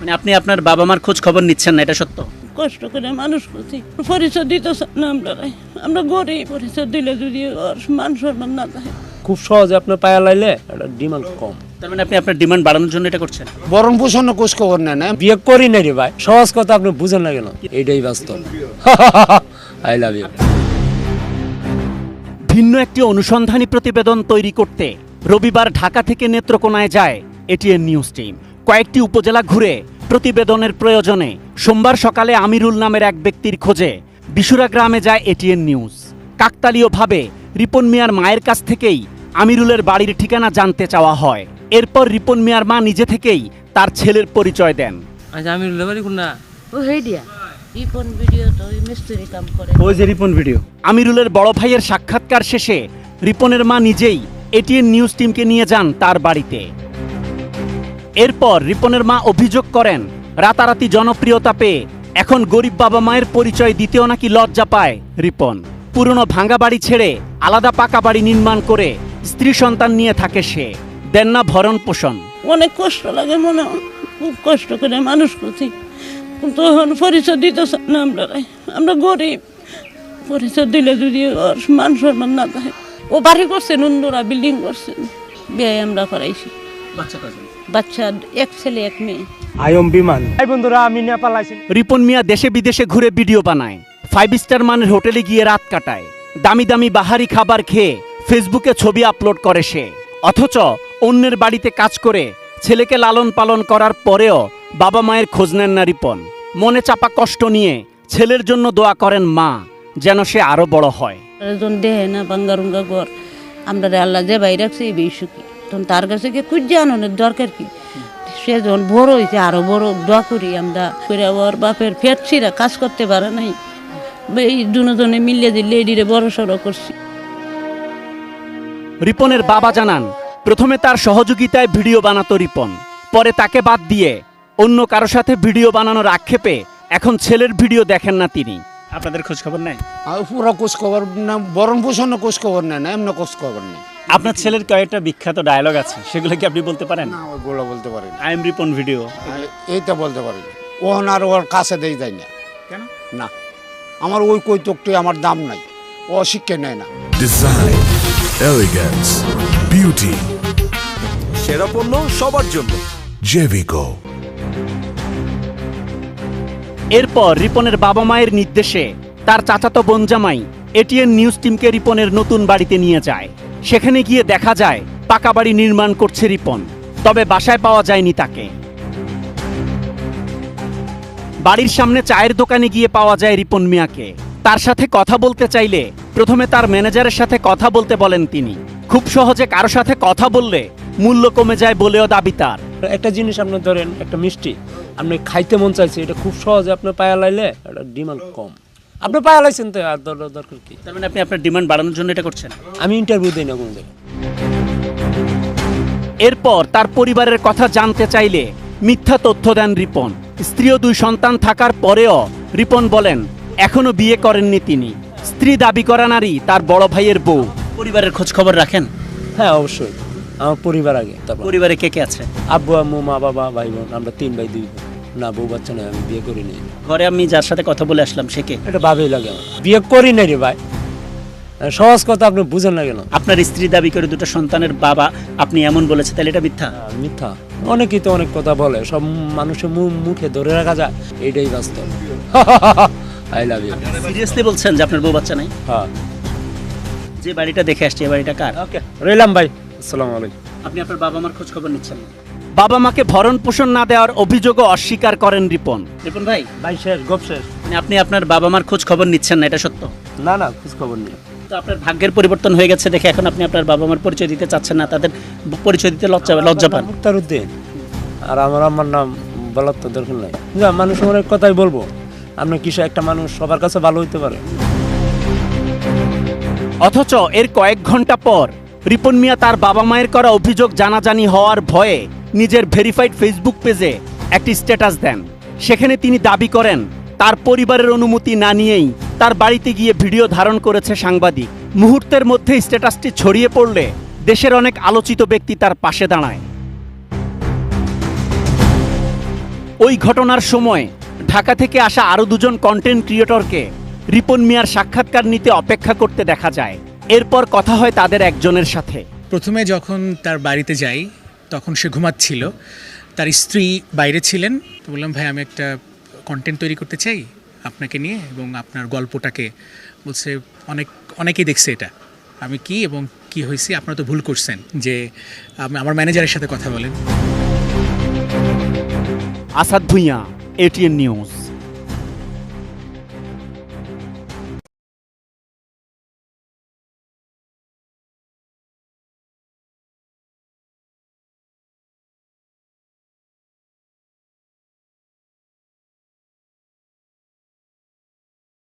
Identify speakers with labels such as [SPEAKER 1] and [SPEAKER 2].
[SPEAKER 1] মানে আপনি আপনার বাবা মার খোঁজ খবর নিচ্ছেন না, এটা সত্য?
[SPEAKER 2] কষ্ট করে মানুষ করছি, পরিচয় দিতে না আমরা গরিব, পরিচয় দিলে যদি ওর মান সম্মান না থাকে।
[SPEAKER 3] খুব সহজে আপনার পায়া লাইলে এটা ডিমান্ড কম।
[SPEAKER 1] তার মানে আপনি আপনার ডিমান্ড বাড়ানোর জন্য এটা করছেন?
[SPEAKER 4] বরণ পোষণ খোঁজ খবর নেন না।
[SPEAKER 3] বিয়ে করি না রে ভাই, সহজ কথা আপনি বুঝেন না কেন? এইটাই বাস্তব। I love you.
[SPEAKER 1] ভিন্ন একটি অনুসন্ধানী প্রতিবেদন তৈরি করতে রবিবার ঢাকা থেকে নেত্রকোনায় যায় এটিএন নিউজ টিম। কয়েকটি উপজেলা ঘুরে প্রতিবেদনের প্রয়োজনে সোমবার সকালে আমিরুল নামের এক ব্যক্তির খোঁজে বিশুরা গ্রামে যায় এটিএন নিউজ। কাকতালীয়ভাবে রিপন মিয়ার মায়ের কাছ থেকেই আমিরুলের বাড়ির ঠিকানা জানতে চাওয়া হয়। এরপর রিপন মিয়ার মা নিজে থেকেই তার ছেলের পরিচয় দেন।
[SPEAKER 3] আচ্ছা, আমিরুলের বাড়ি কোন না?
[SPEAKER 2] ও হেডিয়া রিপন ভিডিও তো ওই মিস্ত্রি কাম করে।
[SPEAKER 1] ওই যে রিপন ভিডিও। আমিরুলের বড় ভাইয়ের সাক্ষাৎকার শেষে রিপনের মা নিজেই এটিএন নিউজ টিমকে নিয়ে যান তার বাড়িতে। এরপর রিপনের মা অভিযোগ করেন, রাতারাতি জনপ্রিয়তা পেয়ে এখন গরিব বাবা মায়ের পরিচয় দিতেও নাকি লজ্জা পায় রিপন। পুরনো ভাঙা বাড়ি ছেড়ে আলাদা পাকা বাড়ি নির্মাণ করে স্ত্রী সন্তান নিয়ে থাকে সে। দেন না ভরণ পোষণ।
[SPEAKER 2] অনেক কষ্ট লাগে, মনে হয় খুব কষ্ট করে মানুষ করছি, কিন্তু এখন পরিচয় দিতে না আমরা গরিব, পরিচয় দিলে যদি ওর মান সম্মান না থাকে। ও বাড়ি করছেন, অন্যরা বিল্ডিং করছেন, বিয়ে আমরা করাইছি। বাচ্চা এক ছেলে এক মেয়ে।
[SPEAKER 3] আয়ম বিমান। এই বন্ধুরা, আমি নেপাল আইছি।
[SPEAKER 1] রিপন মিয়া দেশে বিদেশে ঘুরে ভিডিও বানায়, 5 স্টার মানের হোটেলে গিয়ে রাত কাটায়, দামি দামি বাহারি খাবার খেয়ে ফেসবুকে ছবি আপলোড করে সে। অথচ অন্যের বাড়িতে কাজ করে ছেলেকে লালন পালন করার পরেও বাবা মায়ের খোঁজ নেন না রিপন। মনে চাপা কষ্ট নিয়ে ছেলের জন্য দোয়া করেন মা, যেন সে আরো বড় হয়।
[SPEAKER 2] দেহে না বাঙ্গারুঙ্গা ঘর, আমরা আল্লাহ যে বাইরে রাখছে এই বেশি, তখন তার কাছে গিয়ে খুঁজে আনানোর দরকার কি? সে যখন বড় হয়েছে আরো বড় দোয়া করি আমরা করে। ওর বাপের ফেটছিরা কাজ করতে পারে নাই, এই দুজনে মিলিয়ে দিয়ে লেডিরে বড় সড়ো করছি।
[SPEAKER 1] রিপনের বাবা জানান, প্রথমে তার সহযোগিতায় ভিডিও বানাতো রিপন, পরে তাকে বাদ দিয়ে অন্য কারো সাথে ভিডিও বানানোর আক্ষেপে এখন ছেলের ভিডিও দেখেন না তিনি। আপনাদের খোঁজ খবর নেই?
[SPEAKER 4] আর পুরো খোঁজ খবর না, বরণ পোষণ খোঁজ খবর নেন না, এমন খোঁজ খবর নেই।
[SPEAKER 1] আপনার ছেলের কয়েকটা বিখ্যাত ডায়লগ আছে, সেগুলো কি আপনি বলতে পারেন?
[SPEAKER 4] না, ওইগুলো বলতে পারি না।
[SPEAKER 1] I am Ripon video.
[SPEAKER 4] এইটা বলতে পারি না। ওহন আর ওর কাছে দেই যায় না।
[SPEAKER 1] কেন?
[SPEAKER 4] না, আমার ওই কৈতকটি আমার দাম নাই, ও শিক্ষা নেয় না।
[SPEAKER 5] ডিজাইন, এলিগেন্স, বিউটি,
[SPEAKER 6] সেরা পণ্য সবার জন্য
[SPEAKER 5] জেভিকো।
[SPEAKER 1] এরপর রিপনের বাবা মায়ের নির্দেশে তার চাচাতো বোন জামাই এটিএন নিউজ টিমকে রিপনের নতুন বাড়িতে নিয়ে যায়। সেখানে গিয়ে দেখা যায় পাকা বাড়ি নির্মাণ করছে রিপন, তবে বাসায় পাওয়া যায়নি তাকে। বাড়ির সামনে চায়ের দোকানে গিয়ে পাওয়া যায় রিপন মিয়াকে। তার সাথে কথা বলতে চাইলে প্রথমে তার ম্যানেজারের সাথে কথা বলতে বলেন তিনি। খুব সহজে কারো সাথে কথা বললে মূল্য কমে যায় বলেও দাবি তার।
[SPEAKER 3] একটা জিনিস আপনি ধরেন, একটা মিষ্টি আপনি খাইতে মন চাইছে, এটা খুব সহজে আপনার পায়া লাইলে এটা ডিমান্ড কম। আপনি পায়া লাইছেন তো আর দরকার কি?
[SPEAKER 1] তার মানে আপনি আপনার ডিমান্ড বাড়ানোর জন্য এটা করছেন?
[SPEAKER 3] আমি ইন্টারভিউ দিই না কোনো জায়গায়।
[SPEAKER 1] এরপর তার পরিবারের কথা জানতে চাইলে মিথ্যা তথ্য দেন রিপন। স্ত্রী ও 2 সন্তান থাকার পরেও রিপন বলেন এখনো বিয়ে করেননি তিনি। স্ত্রী দাবি করা নারী তার বড় ভাইয়ের বউ। পরিবারের খোঁজ খবর রাখেন?
[SPEAKER 3] হ্যাঁ, অবশ্যই। আমার পরিবার আগে, তারপর
[SPEAKER 1] পরিবারে কে কে আছে?
[SPEAKER 3] আব্বু আম্মু মা বাবা ভাই বোন, আমরা 3 ভাই 2 বোন। না, বউ বাচ্চা নয়, আমি বিয়ে করি নাই।
[SPEAKER 1] ঘরে আমি যার সাথে কথা বলে আসলাম সে কে?
[SPEAKER 3] এটা ভাবেই লাগে আমার। বিয়ে করি নাই রে ভাই, সহজ কথা আপনি বুঝেন না কেন?
[SPEAKER 1] আপনার স্ত্রী দাবি করে 2টা সন্তানের বাবা আপনি এমন বলেছে, তাহলে এটা মিথ্যা?
[SPEAKER 3] মিথ্যা। অনেকেই তো অনেক কথা বলে, সব মানুষের মুখে ধরে রাখা যায়, এইটাই বাস্তব। I love you.
[SPEAKER 1] সিরিয়াসলি বলছেন যে আপনার বউ বাচ্চা নাই?
[SPEAKER 3] হ্যাঁ।
[SPEAKER 1] যে বাড়িটা দেখে আসছে, এই বাড়িটা কার?
[SPEAKER 3] ওকে, রইলাম ভাই, আসসালামু আলাইকুম।
[SPEAKER 1] আপনি আপনার বাবা মার খোঁজ খবর নিচ্ছেন না? বাবা মাকে ভরণ পোষণ না দেওয়ার অভিযোগও অস্বীকার করেন রিপন। রিপন ভাই,
[SPEAKER 3] ভাই শেষ, গপ শেষ।
[SPEAKER 1] মানে আপনি আপনার বাবা মার খোঁজ খবর নিচ্ছেন না, এটা সত্য?
[SPEAKER 3] না না, খোঁজ খবর নেই।
[SPEAKER 1] তো আপনার ভাগ্যের পরিবর্তন হয়ে গেছে দেখে এখন আপনি আপনার বাবা মার পরিচয় দিতে চাচ্ছেন না, তাদের পরিচয় দিতে লজ্জা পান?
[SPEAKER 3] মুক্তারউদ্দিন, আর আমার আম্মার নাম বলার তো দরকার নাই। মানুষ অনেক কথাই বলবো, আপনার কিছু একটা মানুষ সবার কাছে ভালো হইতে পারে।
[SPEAKER 1] অথচ এর কয়েক ঘন্টা পর রিপন মিয়া তার বাবা মায়ের করা অভিযোগ জানাজানি হওয়ার ভয়ে নিজের ভেরিফাইড ফেসবুক পেজে একটি স্ট্যাটাস দেন। সেখানে তিনি দাবি করেন তার পরিবারের অনুমতি না নিয়েই তার বাড়িতে গিয়ে ভিডিও ধারণ করেছে সাংবাদিক। মুহূর্তের মধ্যে স্ট্যাটাসটি ছড়িয়ে পড়লে দেশের অনেক আলোচিত ব্যক্তি তার পাশে দাঁড়ায়। ওই ঘটনার সময় ঢাকা থেকে আসা আরও দুজন কন্টেন্ট ক্রিয়েটরকে রিপন মিয়ার সাক্ষাৎকার নিতে অপেক্ষা করতে দেখা যায়। এরপর কথা হয় তাদের একজনের সাথে।
[SPEAKER 7] প্রথমে যখন তার বাড়িতে যাই তখন সে ঘুমাচ্ছিল, তার স্ত্রী বাইরে ছিলেন। তো বললাম, ভাই আমি একটা কন্টেন্ট তৈরি করতে চাই আপনাকে নিয়ে এবং আপনার গল্পটাকে। বলছে অনেকেই দেখছে এটা, আমি কি এবং কি হয়েছে, আপনারা তো ভুল করছেন, যে আমার ম্যানেজারের সাথে কথা বলেন।
[SPEAKER 1] Asad Bhuiyan, ATN news.